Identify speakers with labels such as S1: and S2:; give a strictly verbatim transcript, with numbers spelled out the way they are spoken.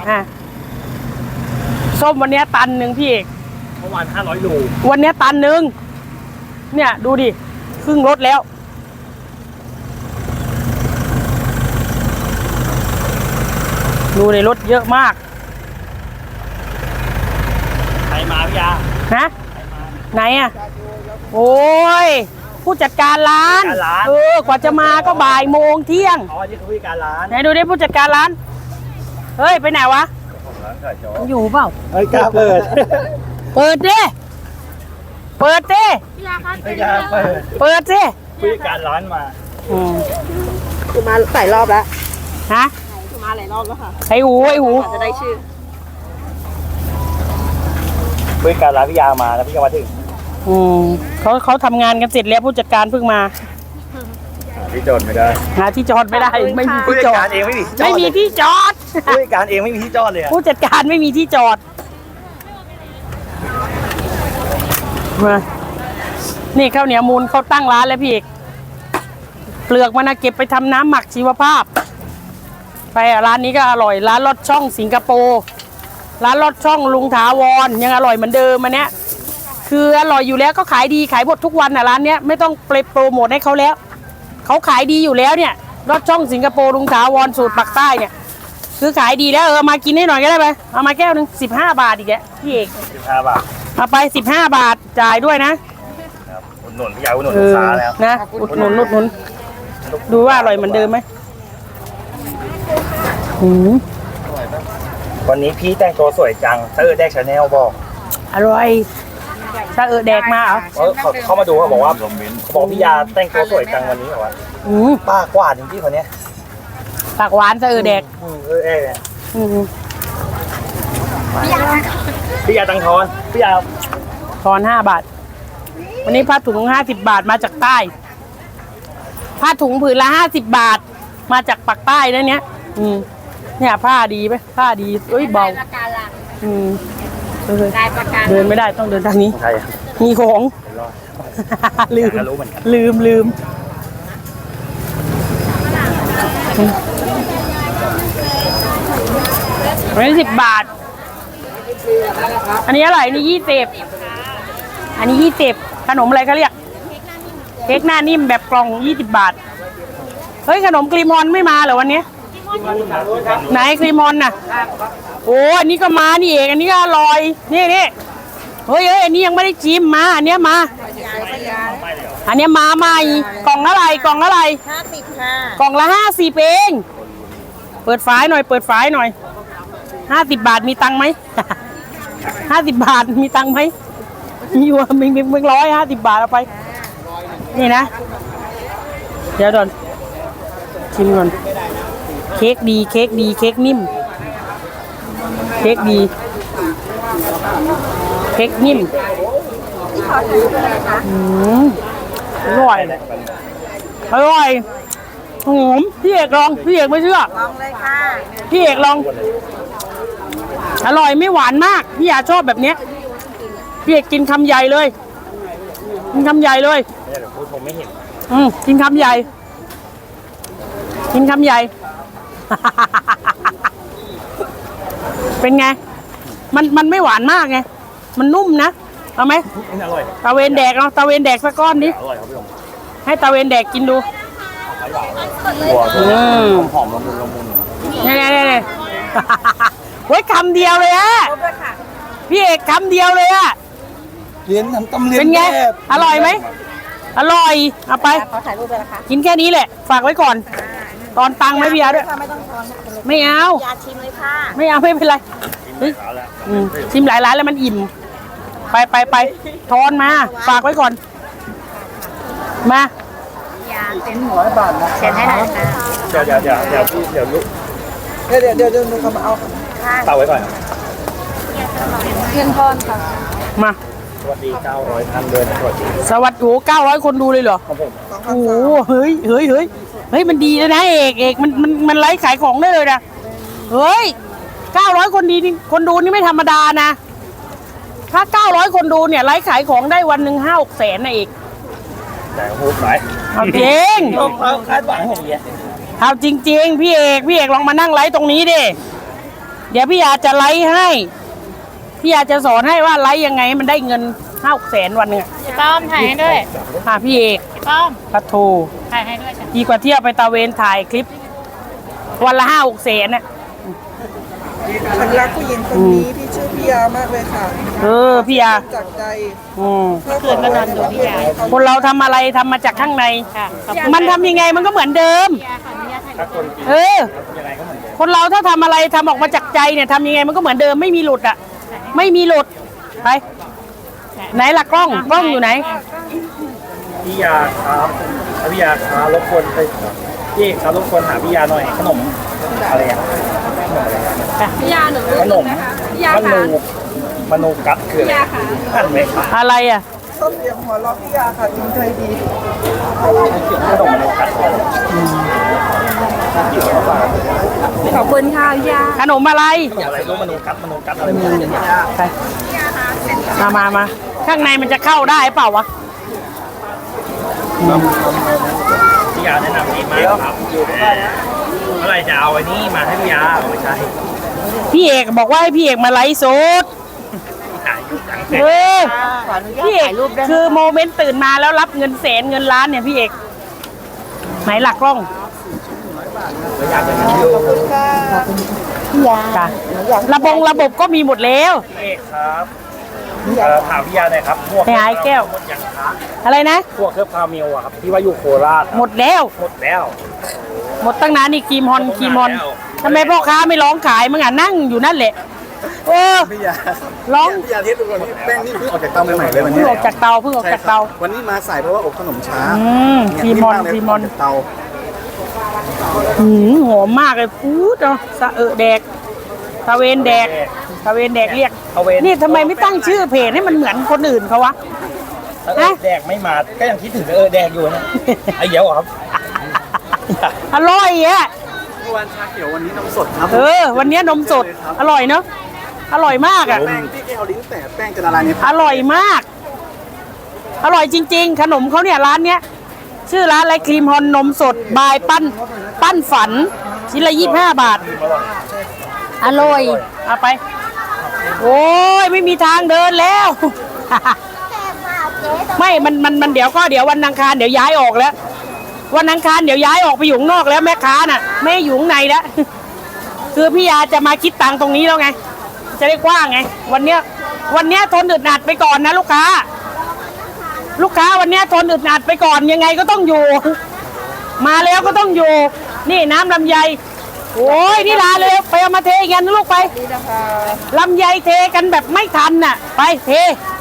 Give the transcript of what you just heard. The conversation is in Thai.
S1: อ่ะส้มวันนี้ตันหนึ่งพี่เอก
S2: เมื่อวานห้าร้อยโล
S1: วันนี้ตันหนึ่งเนี่ยดูดิครึ่งรถแล้วดูในรถเยอะมาก
S2: ใครมาพี่ยา
S1: ฮะไหนอ่ะโอ้ยผู้จัดการร้านเออกว่าจะมาก็บ่ายโมงเที่ยง
S2: อ๋อนี่คือผู้จัดการร้าน
S1: ไหนดูดิผู้จัดการร้านเฮ้ยไปไหนวะอยู่เปล่า
S2: เฮ้ยกล้าเปิด
S1: เปิดดิเปิดดิ
S2: ไม่กล้าเปิด
S1: เปิดดิ
S2: ผู้จัดการร้านมา
S1: อืม
S3: คือมาหลายรอบแล้ว
S1: ฮะ
S3: คือมาหลายรอบแล้วค่ะ
S1: ไอ้หูไอ้หู
S3: จะได้ชื่อ
S2: ผู้จัดการร้านพี่ยามาแล้วพี่ยามาถึง
S1: อืมเขาเขาทำงานกันเสร็จแล้วผู้จัดการเพิ่งมา
S2: ที่จอดไม่ได้
S1: หาที่จอดไม่ได้ไม่มีที่จอด
S2: เองไม่มี
S1: ไม่มีที่จอด
S2: ผู้จัดการเองไม่มีที่จอดเลย
S1: ผู้จัดการไม่มีที่จอดมานี่ข้าวเหนียวมูลเขาตั้งร้านแล้วพี่เอกเปลือกมันนะเก็บไปทำน้ำหมักชีวภาพไปร้านนี้ก็อร่อยร้านลอดช่องสิงคโปร์ร้านลอดช่องลุงถาวรยังอร่อยเหมือนเดิมอันเนี้ยคืออร่อยอยู่แล้วก็ขายดีขายหมดทุกวันอ่ะร้านเนี้ยไม่ต้องโปรโมทให้เขาแล้วเขาขายดีอยู่แล้วเนี่ยลอดช่องสิงคโปร์ลุงถาวรสูตรปักใต้เนี่ยคือขายดีแล้วเออมากินให้หน่อยก็ได้ไหมเอามาแก้วหนึ่งสิบห้าบาทอีกแกพี่เอก
S2: สิบห้าบาท
S1: เอาไปสิบห้าบาทจ่ายด้วยนะ
S2: อุดหนุนพี่ยาอุดหนุนลูกค้าแล้ว
S1: นะอุดหนุนอุดหนุนดูว่าอร่อยเหมือนเดิมไหม
S2: วันนี้พี่แต่งตัวสวยจังเตอร์แดกชาแนลบอก
S1: อร่อยถ้าเออแดกมาเหรอ
S2: เขาเขามาดูเขาบอกว่าบอกพี่ยาแต่งตัวสวยจังวันนี้แบบว่าป้ากว่าจริงๆคนนี้
S1: ปากหวานจะเออแดก
S2: เออเออพี่ยาตังทอนพี่ยา
S1: ทอนห้าบาทวันนี้ผ้าถุงห้าสิบบาทมาจากใต้ผ้าถุงผืนละห้าสิบบาทมาจากปากใต้นะเนี้ยอืมเนี่ยผ้าดีไหมผ้าดีเอ้ยเบาอืมเดินไม่ได้ต้องเดินทางนี้มีของลืมลืมลืมอันนี้สิบบาทอันนี้อะไรนี่ยี่สิบอันนี้ยี่สิบขนมอะไรเขาเรียกเค้กหน้านิ่มแบบกล่องยี่สิบบาทเฮ้ยขนมครีมมอนไม่มาเหรอวันนี้ไหนครีมมอนน่ะโอ้อันนี้ก็มานี่เองอันนี้ก็อร่อยนี่นี่เฮ้ยเฮ้ยอันนี้ยังไม่ได้ชิมมาอันนี้มาอันนี้มาใหม่กล่องอะไรกล่องอะไร
S3: ห้าสิบค่ะ
S1: กล่องละห้าสิบเองเปิดฝายหน่อยเปิดฝายหน่อยห้าสิบบาทมีตังค์ไหมห้าสิบบาทมีตังค์ไหมมีอยู่มีมีมีร้อยห้าสิบบาทเอาไปนี่นะเดี๋ยวก่อนชิมก่อนเค้กดีเค้กดีเค้กนิ่มเค้กดีเค้กนิ่มอืมอร่อยอร่อยหอมพี่เอกลองพี่เอกไม่เชื่อ
S3: ลองเลยค่ะ
S1: พี่เอกลองอร่อยไม่หวานมากพี่อยากชอบแบบเนี้ยพี่เอกกินคำใหญ่เลยกินคำใหญ่เลย
S2: เดี๋ยวพูดผมไม่เห็น
S1: อืมกินคำใหญ่กินคำใหญ่เป็นไงมันมันไม่หวานมากไงมันนุ่มนะเอาไหม
S2: อร่อย
S1: ตะเวนแดกเนาะตะเวนแดกสักก้อนดิ
S2: อร่อยครับพี่ผม
S1: ให้ตะเวนแดกกินดู
S2: อืมหอมละมุนละมุน
S1: เนี่ยเนี่ยเนี่ยเฮ้ยคำเดียวเลยฮะพี่เอกคำเดียวเลยอะ
S2: เลี้ยงน้ำต้มเลี้ยง
S1: เป็นไงอร่อยไหมอร่อยเอาไป
S3: ขอถ่ายรูปเลยนะคะ
S1: กินแค่นี้แหละฝากไว้ก่อนตอนตังไม่เบียร์ด้วย
S3: ไม่ต้องทอน
S1: ไม่เอา
S3: ยาชิมเลยค่ะ
S1: ไม่เอาไม่เป็นไรชิมหลายร้านแล้วมันอิ่มไปไปไปทอนมาฝากไว้ก่อนมาย
S3: าเป็นหัวบาทนะเซ็นให้หน่อยค่ะ
S2: เดี๋ยวเดี๋ยวเดี๋ยวเดี๋ยวเดี๋ยวลูก
S3: เดี๋ยวเดี๋ยวเดี๋ยวลูกเขามาเอา
S2: เตาไว้ก่อน
S3: เพียงทอนค่ะ
S1: มา
S2: สวัสดีเก้าร้อยท่านด้วยนะสวัสดี
S1: สวัสดีโอ้เก้าร้อยคนดูเลยเหรอ
S2: ครับผม
S1: โอ้เฮ้ยเฮ้ยเฮ้ยเฮ้ยมันดีแล้วนะเอกเอกมันมันมันไลฟ์ขายของได้เลยนะเฮ้ยเก้าร้อยคนดีนี่คนดูนี่ไม่ธรรมดานะถ้าเก้าร้อยคนดูเนี่ยไลฟ์ขายของได้วันหนึ่งห้าหกแสนนะเอก
S2: แต่พูดไป
S1: เอาจริง
S2: คาดหวังผมเนี่ย
S1: เอาจริงๆพี่เอกพี่เอกลองมานั่งไลฟ์ตรงนี้ดิเดี๋ยวพี่ยาจะไลฟ์ให้ พี่ยาจะสอนให้ว่าไลฟ์ยังไงให้มันได้เงินห้าหกแสนวันหนึ่งอะ
S3: พี่ป้อมถ่ายให้ด้วย
S1: ค่ะพี่เอก
S3: พี่ป้อม
S1: พัทโท
S3: ถ่ายให้ด้วยจ้ะ
S1: ดีกว่าเที่ยวไปตะเวนถ่ายคลิป วันละห้าหกแสนน่ะ
S4: ฉันรักผู้หญิงคนนี้ที่ชื่อพี่ยามากเลยค่ะ
S1: เออพี่ยา
S4: จากใจ
S1: อืม
S4: เพื่อขอให้ดูพี่ยา
S1: คนเราทำอะไรทำมาจากข้างใน
S3: ค่ะขอบคุณ
S1: มันทำยังไงมันก็เหมือนเดิม
S3: พี่ยาขออนุญาตถ่าย
S2: ถ้าคนกิน
S1: เออ
S2: ยังไงก็เหมือนเดิม
S1: คนเราถ้าทำอะไรทำออกมาจากใจเนี่ยทำยังไงมันก็เหมือนเดิมไม่มีหลุดอ่ะ ไม่มีหลุดไปไหนล่ะกล้องกล้องอยู่ไหน
S2: พี่ยาครับพี่ยาครับรบกวนไปพี่เอกครับรบกวนหาพี่ยาหน่อยขนมอะไรอ่ะ
S3: พี่ยาหนู
S2: ขนมมนูมนูกัดคืออะไรหั่นไหมครับ
S1: อะไรอ่ะ
S4: ส้มเลี้ยงหัวเราะพี่ยาค่ะจริงใจดี
S2: ขนมมนูกัด
S3: ขอบคุณค่ะพี่ยา
S1: ขนมอะไร
S2: อะไรรู้มนูกัดมนูกัดอะไร
S1: ไปมามามาข้างในมันจะเข้าได้เปล่าวะ
S2: พี่ยาแนะนำดีมากครับเมื่อไหรจะเอาไอ้นี่มาให้พี่ยาเอาไม่ใช่
S1: พี่เอกบอกว่าให้พี่เอกมาไลฟ์สด
S2: ถ่ายอยู่จัง
S1: เออพี่เอกคือโมเมนต์ตื่นมาแล้วรับเงินแสนเงินล้านเนี่ยพี่เอกไหนหลักกล้อง
S2: อยากจะมาดู
S4: พี่ยา
S1: จ้ะระบงระบบก็มีหมดแล้ว
S2: พี่เอกครับเอ่อถามพี่ยาหน่อยครับพวก
S1: ไปหาไอ้แก้ว
S2: หมดยังคะ
S1: อะไรนะ
S2: พวกเครื่องพาเมลอะครับที่ว่าอยู่โคราชอะ
S1: หมดแล้ว
S2: หมดแล้ว
S1: หมดตั้งนานนี่ครีมฮอนครีมฮอนทำไมพ่อค้าไม่ร้องขายมึงอ่ะนั่งอยู่นั่นแหละเออ
S5: พี่ยา
S1: ร้อง
S5: พี่ยาเทสดูก่อนนี่แป้งนี่เพิ่งออกจากเตาใหม่ๆเลยวัน
S1: เพิ่
S5: นี้
S1: งออกจากเตาเพิ่งออกจากเตา
S5: ใช่ครับวันนี้มาสายเพราะว่าอบขนมช้า
S1: อืม
S5: เนี่ย
S1: ครีมมอน
S5: ากเลย
S1: ครีมมอน
S5: กจากเตา
S1: หืมหอมมากเลยพูดเนาะสะเออแดกตะเวนแดกตะเวนแดกเรียก
S2: ตะเวน
S1: นี่ทำไมไม่ตั้งชื่อเพจให้มันเหมือนคนอื่นเขาวะ
S2: ถ้าเออแดกไม่มาก็ยังคิดถึงเออแดกอยู่นะไอ้เหี้ยวเหรอครับ
S1: อร่อยอ่ะ
S5: เมื่อวานชาเขียววันนี้นมสดครับ
S1: เออ วันนี้นมสด อร่อยเนาะ อร่อยมากอ่ะ
S5: แป้งที่แกเอาลิ้นแตะแป้งจะละลายใน
S1: อร่อยมาก อร่อยจริง ๆ ขนมเขาเนี่ยร้านเนี้ย ชื่อร้านอะไรครีมฮอนนมสด บายปั้น ปั้นฝัน ชิ้นละยี่สิบห้าบาท อร่อย เอาไป โอ้ยไม่มีทางเดินแล้ว ไม่ มัน มัน มันเดี๋ยวก็เดี๋ยววันอังคารเดี๋ยวย้ายออกแล้ว วันอังคารเดี๋ยวย้ายออกไปอยู่ข้างนอกแล้วแม่ค้าน่ะ ไม่ให้อยู่ข้างในแล้ว คือพี่ยาจะมาคิดตังค์ตรงนี้แล้วไง จะได้กว้างไง วันเนี้ย วันเนี้ยทนอึดอัดไปก่อนนะลูกค้า ลูกค้าวันเนี้ยทนอึดอัดไปก่อนยังไงก็ต้องอยู่ มาแล้วก็ต้องอยู่ นี่น้ำลำไย โอ้ยนี่ลาเลยไปเอามาเทกันนะลูกไปลำไยเทกันแบบไม่ทันน่ะ ไปเท